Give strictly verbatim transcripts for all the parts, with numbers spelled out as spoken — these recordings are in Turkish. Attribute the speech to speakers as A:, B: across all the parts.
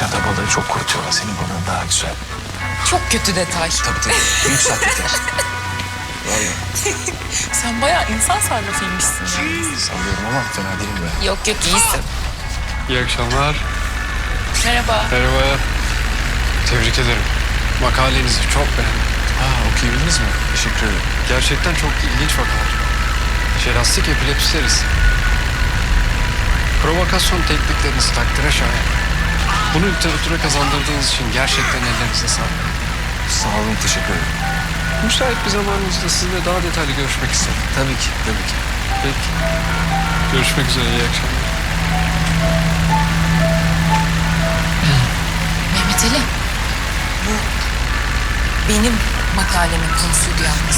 A: Nişanta balığı çok kurutuyorlar. Senin balığın daha güzel.
B: Çok kötü detay.
A: Tabii tabii. Büyük sahteler. Vallahi.
B: Sen bayağı insan sarrafıymışsın.
A: Sallıyorum ama fena değilim ben.
B: Yok yok iyisin.
C: İyi akşamlar.
B: Merhaba.
C: Merhaba. Tebrik ederim. Makalenizi çok beğendim.
A: Aa, okuyabildiniz mi? Teşekkür ederim.
C: Gerçekten çok ilginç vakalar. Jelastik epilepsi serisi. Provokasyon teknikleriniz takdire şayan. Bunu literatüre kazandırdığınız için gerçekten ellerinize sağlık.
A: Sağ olun, teşekkür ederim.
C: Müsait bir zamanınızda sizinle daha detaylı görüşmek isterim.
A: Tabii ki, tabii ki.
C: Peki. Görüşmek üzere, iyi akşamlar.
B: Mehmet Ali. Bu benim makalemin konusuydu yalnız.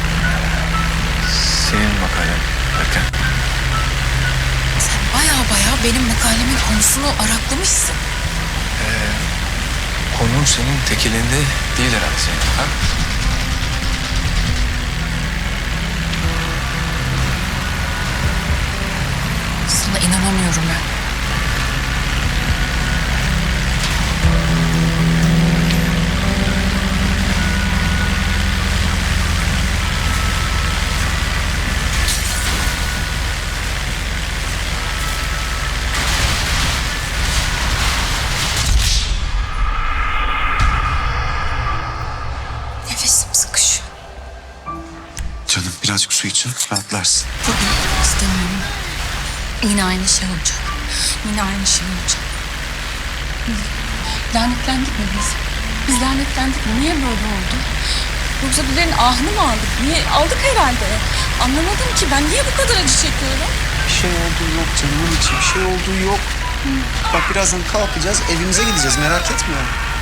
A: Senin makalen derken?
B: Sen bayağı bayağı benim makalemin konusunu araklamışsın.
A: Konun senin tek elinde değil herhalde senin. Ha?
B: Sana inanamıyorum ben. Nefesim sıkışıyor.
A: Canım birazcık su için rahatlarsın.
B: İstemiyorum. Yine aynı şey olacak. Yine aynı şey olacak. Lanetlendik mi biz? Biz lanetlendik mi? Niye böyle oldu? Yoksa birilerinin ahını mı aldık? Niye? Aldık herhalde. Anlamadım ki ben niye bu kadar acı çekiyorum?
D: Bir şey olduğu yok canımın içi. Bir şey olduğu yok. Bak birazdan kalkacağız, evimize gideceğiz. Merak etme.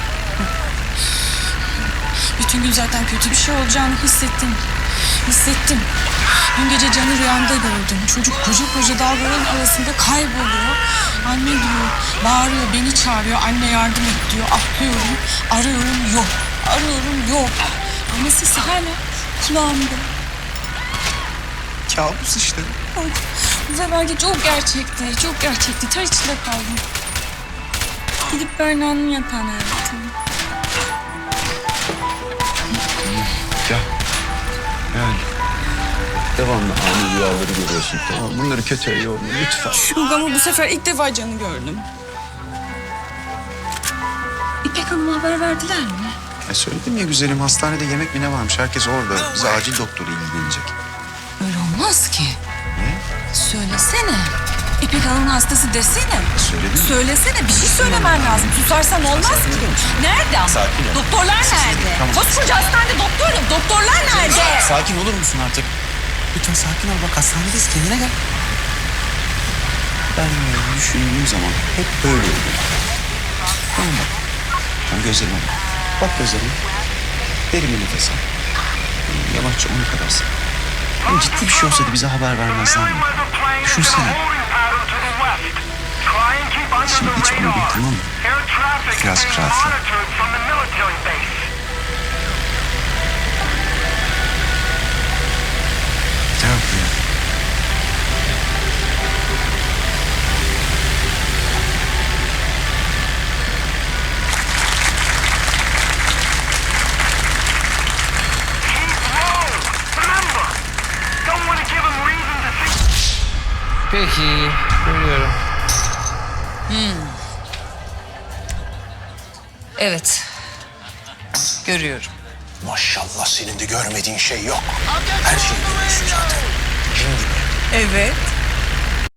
B: Bütün gün zaten kötü bir şey olacağını hissettim. Hissettim. Dün gece Can'ı rüyamda gördüm. Çocuk koca koca dağların arasında kayboluyor. Anne diyor, bağırıyor, beni çağırıyor. Anne yardım et diyor. Ahlıyorum, arıyorum, yok. Arıyorum, yok. Ama sesi hala kulağımda.
D: Kabus işte.
B: Ay, bu seferki çok gerçekti, çok gerçekti. Ter içinde kaldım. Gidip Berna'nın yatağına yattım.
A: Ya. Yani.
D: Devamlı ani rüyaları görüyorsun. Tamam, bunları kötüye yorma lütfen.
B: Yok ama bu sefer ilk defa Can'ı gördüm. İpek Hanım'a haber verdiler mi?
D: Ya söyledim ya güzelim, hastanede yemek mi ne varmış? Herkes orada. Bize acil doktoru ilgilenecek.
B: Öyle olmaz ki.
D: Ne?
B: Söylesene. İpek Hanım'ın hastası desene.
D: Söyledim.
B: Söylesene, bir şey söylemen lazım. Susarsan olmaz ki. Nerede ama?
D: Sakin ol.
B: Doktorlar nerede?
D: Tamam.
B: Koskoca hastanede doktor yok. Doktorlar nerede?
D: Sakin olur musun artık? Lütfen sakin ol. Bak hastanedeyiz. Kendine gel. Ben böyle düşündüğüm zaman hep böyle oluyor. Tamam bak. Tamam gözlerime bak. Bak gözlerime. Derin bir nefes al. Yavaşça ona kadar sık. Yani ciddi bir şey olsaydı bize haber vermezler mi? Düşünsene. Şimdi iç bunu bir, tamam mı? Birazcık rahatla.
A: Ne yapıyor?
C: Peki, görüyorum.
B: Evet. Görüyorum.
D: Maşallah senin de görmediğin şey yok. Her şeyi görüyorsun zaten. Cin gibi.
B: Evet.